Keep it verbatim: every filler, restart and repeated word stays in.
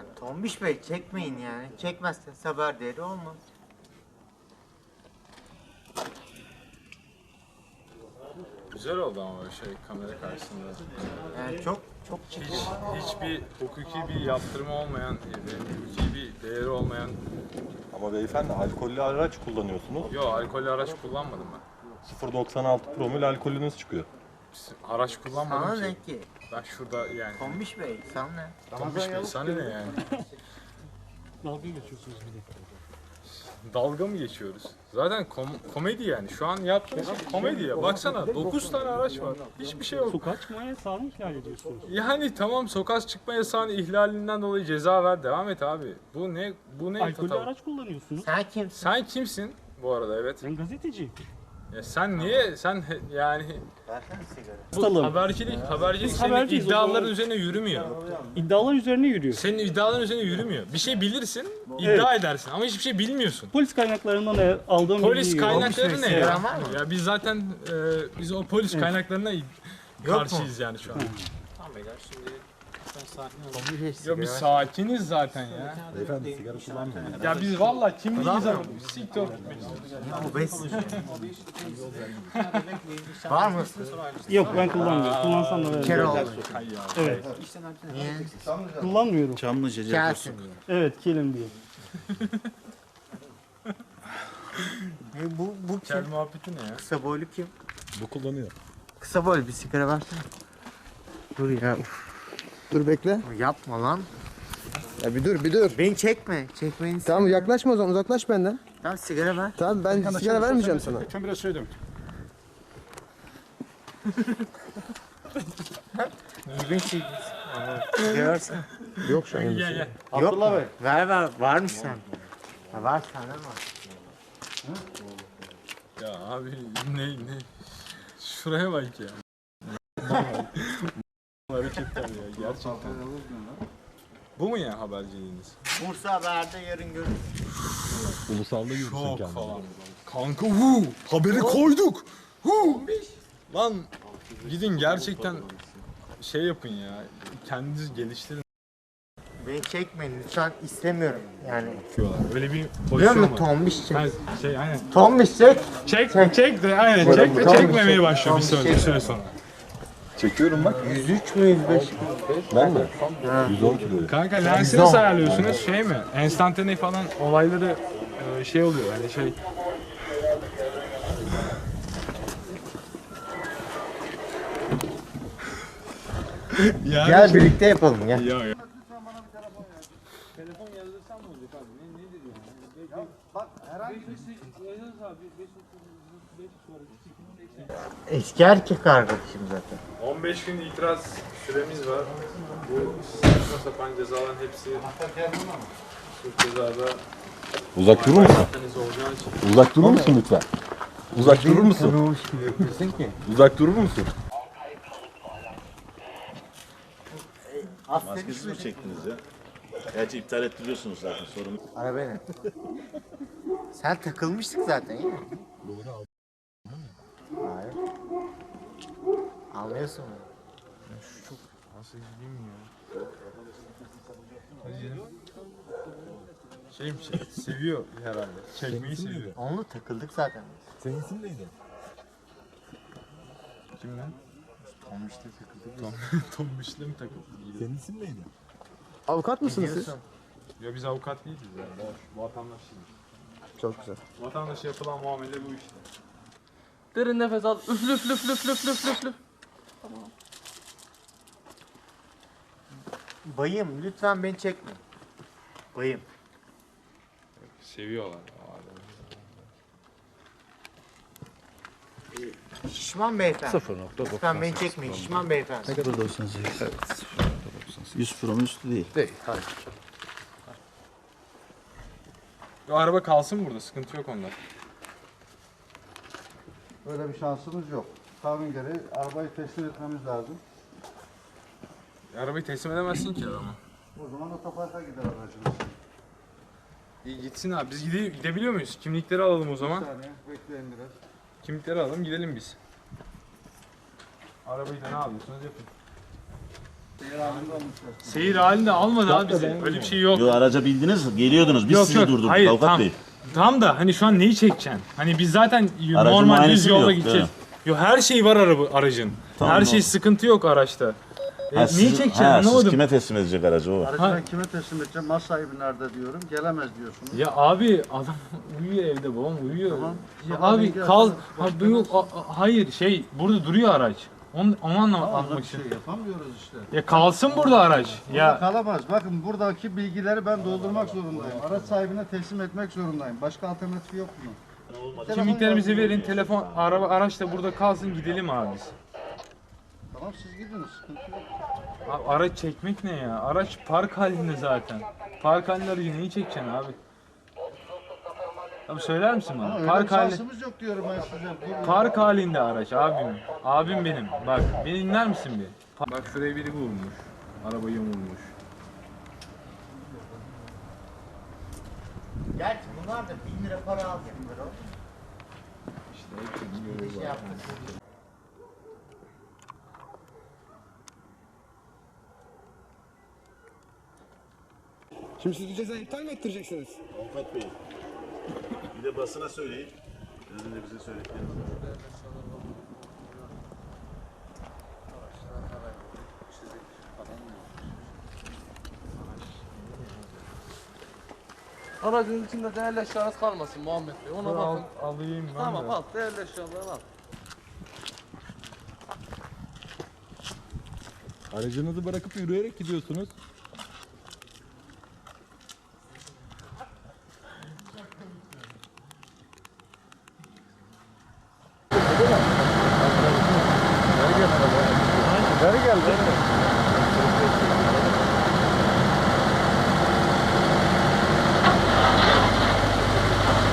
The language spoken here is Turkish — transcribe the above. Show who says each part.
Speaker 1: Tombiş Bey çekmeyin yani. Çekmezseniz haber değeri olmaz.
Speaker 2: Güzel oldu ama böyle şey kamera karşısında.
Speaker 1: Yani çok çok
Speaker 2: Hiç, hiçbir hukuki bir yaptırımı olmayan, hukuki bir değeri olmayan...
Speaker 3: Ama beyefendi alkollü araç kullanıyorsunuz.
Speaker 2: Yok, alkollü araç kullanmadım ben.
Speaker 3: sıfır virgül doksan altı promil alkolünüz çıkıyor.
Speaker 2: Araç kullanmadım
Speaker 1: sana
Speaker 2: ki.
Speaker 1: ne ki?
Speaker 2: Ben şurada yani...
Speaker 1: Tombiş Bey sana ne?
Speaker 2: Tombiş Bey sana ne yani?
Speaker 4: Dalga geçiyorsunuz bir de.
Speaker 2: Dalga mı geçiyoruz? Zaten kom komedi yani. Şu an yaptığımız şey komedi ya. Baksana dokuz tane araç var. Hiçbir şey yok.
Speaker 4: Sokağa çıkma yasağını ihlal ediyorsunuz.
Speaker 2: Yani tamam, sokağa çıkma yasağının ihlalinden dolayı ceza ver. Devam et abi. Bu ne? Bu ne?
Speaker 4: Alkollü
Speaker 2: Tatam?
Speaker 4: araç kullanıyorsunuz.
Speaker 1: Sen kimsin?
Speaker 2: Sen kimsin bu arada? Evet.
Speaker 4: Ben gazeteciyim.
Speaker 2: Ya sen niye? Sen he- yani
Speaker 1: Versene sigara.
Speaker 2: bu
Speaker 4: Tutalım.
Speaker 2: habercilik, habercilik
Speaker 4: Biz
Speaker 2: senin
Speaker 4: haberciyiz, o
Speaker 2: iddiaların
Speaker 4: zaman-
Speaker 2: üzerine yürümüyor.
Speaker 4: İddialar üzerine yürüyor.
Speaker 2: Senin iddiaların üzerine yürümüyor. Bir şey bilirsin, iddia edersin ama hiçbir şey bilmiyorsun.
Speaker 4: Polis kaynaklarından e, aldığım
Speaker 2: Polis
Speaker 4: bilgiyi-
Speaker 2: kaynakları ne ya?
Speaker 1: Sigaran var mı?
Speaker 2: Ya biz zaten e, biz o polis kaynaklarına karşıyız yani şu an.
Speaker 1: Tamam beyler şimdi sen sakin ol. Tombiş Bey
Speaker 2: Ya
Speaker 1: sigara
Speaker 2: biz
Speaker 1: ver.
Speaker 2: sakiniz zaten ya.
Speaker 3: Beyefendi sigara kullanmıyor.
Speaker 2: Ya biz vallahi kimliğimizi alıyoruz. Siktir olup
Speaker 1: Bu besin. Var mı?
Speaker 4: Yok ben kullanmıyorum. Kullansam da
Speaker 1: Bir kere
Speaker 4: veririm.
Speaker 1: oldu.
Speaker 4: Evet.
Speaker 1: Niye?
Speaker 4: Kullanmıyorum.
Speaker 5: Çamlıca
Speaker 1: Gelsin.
Speaker 4: Evet kilim diye.
Speaker 1: E, bu, bu
Speaker 2: Kel
Speaker 1: kim?
Speaker 2: muhabbeti ne ya?
Speaker 1: Kısa boylu kim?
Speaker 3: Bu kullanıyor.
Speaker 1: Kısa boylu bir sigara versene. Dur ya.
Speaker 6: Dur bekle.
Speaker 1: Yapma lan.
Speaker 6: Ya bir dur bir dur.
Speaker 1: Beni çekme. Çekmeyin.
Speaker 6: Tamam yaklaşma o zaman uzaklaş benden.
Speaker 1: Tamam sigara ver.
Speaker 6: Tamam ben sigara vermeyeceğim sana.
Speaker 4: Lütfen biraz söyledim.
Speaker 1: Gibi şey. Sigara versene.
Speaker 6: Yok şu an.
Speaker 2: Gel gel.
Speaker 1: Yok mu? Ver ver. Var mı sen? Ha, var sende mi var?
Speaker 2: Ya abi ne ne? Şuraya bak ya. Hareketler ya gerçekten. Bu mu ya haberciliğiniz?
Speaker 1: Bursa Haber'de yarın görüşürüz.
Speaker 3: Ulusalda yürüsün
Speaker 2: Çok
Speaker 3: kendini.
Speaker 2: falan. Kanka hu haberi koyduk. Hu. Lan gidin gerçekten şey yapın ya. Kendiniz geliştirin.
Speaker 1: Beni çekmeyin lütfen istemiyorum yani.
Speaker 2: Öyle bir
Speaker 1: Biliyor
Speaker 2: pozisyon
Speaker 1: musun
Speaker 2: var.
Speaker 1: tombiş çek.
Speaker 2: Ha, şey aynen.
Speaker 1: Tombiş çek.
Speaker 2: Çek çek de aynen çek de
Speaker 1: Tamam,
Speaker 2: çekmemeye
Speaker 1: çek.
Speaker 2: başlıyor bir
Speaker 1: Tamam,
Speaker 2: süre, bir
Speaker 1: çek.
Speaker 2: süre sonra.
Speaker 3: Çekiyorum bak.
Speaker 1: yüz üç mü yüz beş mi?
Speaker 3: Ben mi? yüz on kiloyum.
Speaker 2: Kanka lensi nasıl ayarlıyorsunuz? Şey mi? Enstantane falan olayları e, şey oluyor yani şey. Yani
Speaker 1: Gel birlikte yapalım gel.
Speaker 2: Ya ya.
Speaker 1: Eski erkek arkadaşım zaten.
Speaker 2: on beş gün itiraz süremiz var. Bu saçma sapan cezaların hepsi suç cezada
Speaker 3: Uzak durur musun?
Speaker 2: organize olacağı için.
Speaker 3: Uzak durur musun lütfen? Uzak durur musun?
Speaker 1: Tanımış gibi yapıyorsun ki.
Speaker 3: Uzak durur musun?
Speaker 5: Maskesiz mi çektiniz ya? Gerçi iptal ettiriyorsunuz zaten sorun.
Speaker 1: Ara beni. Sen takılmıştık zaten ya. Hayır. Anlıyorsun mu?
Speaker 2: Nasıl gideyim ya? Şey mi şey? Seviyor herhalde. Çekmeyi seviyor.
Speaker 1: Onunla takıldık zaten.
Speaker 3: Senin isim neydi?
Speaker 2: Kim lan?
Speaker 1: Tomuş'ta takıldık.
Speaker 2: Tom, Tom Michelin mi takıldı?
Speaker 3: Senin isim neydi?
Speaker 6: Avukat mısınız siz?
Speaker 1: Biliyorsun.
Speaker 2: Ya biz avukat değiliz ya. Boş, vatandaşıyız.
Speaker 6: Çok güzel.
Speaker 2: Vatandaşa yapılan muamele bu işte.
Speaker 7: Derin nefes al. Üflü üflü üflü üflü üflü üflü üflü.
Speaker 1: Bayım lütfen beni çekme. Bayım.
Speaker 2: Seviyorlar.
Speaker 1: Şişman beyefendi.
Speaker 5: sıfır nokta doksan.
Speaker 1: Lütfen beni çekmeyin. Şişman beyefendi.
Speaker 5: Ne kadar doksan sekiz? Evet. sıfır nokta doksan sekiz. yüz promil üstü değil.
Speaker 6: Değil. Hayır.
Speaker 2: O araba kalsın burada. Sıkıntı yok onda.
Speaker 8: Öyle bir şansımız yok. Kanun gereği arabayı teslim etmemiz lazım.
Speaker 2: Arabayı teslim edemezsin ki adama.
Speaker 8: O zaman otoparka gider aracımız.
Speaker 2: İyi gitsin abi. Biz gide gidebiliyor muyuz? Kimlikleri alalım o
Speaker 8: Bir
Speaker 2: zaman.
Speaker 8: saniye bekleyin biraz.
Speaker 2: Kimlikleri alalım gidelim biz. Arabayı da ne yapıyorsunuz yapın. Seyir halinde almadı abi bizi. Öyle bir şey yok.
Speaker 5: Yo araca bindiniz, geliyordunuz. Biz
Speaker 2: Yok,
Speaker 5: sizi
Speaker 2: yok.
Speaker 5: durdurduk
Speaker 2: Hayır,
Speaker 5: avukat
Speaker 2: tam.
Speaker 5: bey.
Speaker 2: Tam da hani şu an neyi çekeceksin? Hani biz zaten normal düz
Speaker 5: muayenesi mi
Speaker 2: yolda
Speaker 5: yok,
Speaker 2: gideceğiz.
Speaker 5: değil
Speaker 2: Yo her şey var araba, aracın.
Speaker 5: Tamam,
Speaker 2: her şey
Speaker 5: oldu.
Speaker 2: sıkıntı yok araçta. E,
Speaker 5: Ha,
Speaker 2: neyi
Speaker 5: sizin-
Speaker 2: çekeceksin
Speaker 5: ha, siz
Speaker 2: anlamadım.
Speaker 5: kime teslim edecek aracı o?
Speaker 8: Aracı
Speaker 2: Ha.
Speaker 8: ben kime teslim edeceğim? Mal sahibi nerede diyorum. Gelemez diyorsunuz.
Speaker 2: Ya abi adam uyuyor evde, babam uyuyor.
Speaker 8: Tamam.
Speaker 2: Ya
Speaker 8: Sabah
Speaker 2: abi
Speaker 8: bilgi
Speaker 2: kal.
Speaker 8: atarız,
Speaker 2: Ha,
Speaker 8: başka
Speaker 2: bu yok,
Speaker 8: nasıl-
Speaker 2: a- a- hayır şey burada duruyor araç. Onu, onu anlamak
Speaker 8: Ama
Speaker 2: anlamak
Speaker 8: bir
Speaker 2: için.
Speaker 8: şey yapamıyoruz işte.
Speaker 2: Ya kalsın burada araç.
Speaker 8: Burada
Speaker 2: Ya
Speaker 8: kalamaz. Bakın buradaki bilgileri ben doldurmak zorundayım. Araç sahibine teslim etmek zorundayım. Başka alternatifi yok bunun.
Speaker 2: kimliklerimizi
Speaker 8: Telefon
Speaker 2: verin,
Speaker 8: yazın.
Speaker 2: telefon araba araç da burada kalsın, gidelim abi biz.
Speaker 8: Tamam siz gidiniz. Sıkıntı yok.
Speaker 2: Abi araç çekmek ne ya? Araç park halinde zaten. Park halinde aracı neyi çekeceksin abi? Abi söyler misin
Speaker 8: Ama
Speaker 2: bana?
Speaker 8: öyle bir
Speaker 2: Park halinde.
Speaker 8: şansımız yok diyorum ben size. Buyurun.
Speaker 2: Park halinde araç abim. Abim benim. Bak beni dinler misin bir? Pa- Bak şuraya biri vurmuş. Arabayı vurmuş.
Speaker 1: Gerçi bunlar da bin lira para alacaklar o.
Speaker 2: İşte hepsinin görevi
Speaker 1: Şey
Speaker 2: var.
Speaker 1: yaptık.
Speaker 6: Şimdi siz bu cezayı iptal mi ettireceksiniz?
Speaker 5: Avukat bey. Bir de basına söyleyin. Sizin de bize söylediklerinizi.
Speaker 7: Aracın içinde değerli eşyanız kalmasın Muhammed Bey. Ona
Speaker 2: Dur, al,
Speaker 7: bakın.
Speaker 2: alayım ben
Speaker 7: Tamam
Speaker 2: de.
Speaker 7: al. Değerli eşyalarını al.
Speaker 3: Aracınızı bırakıp yürüyerek gidiyorsunuz.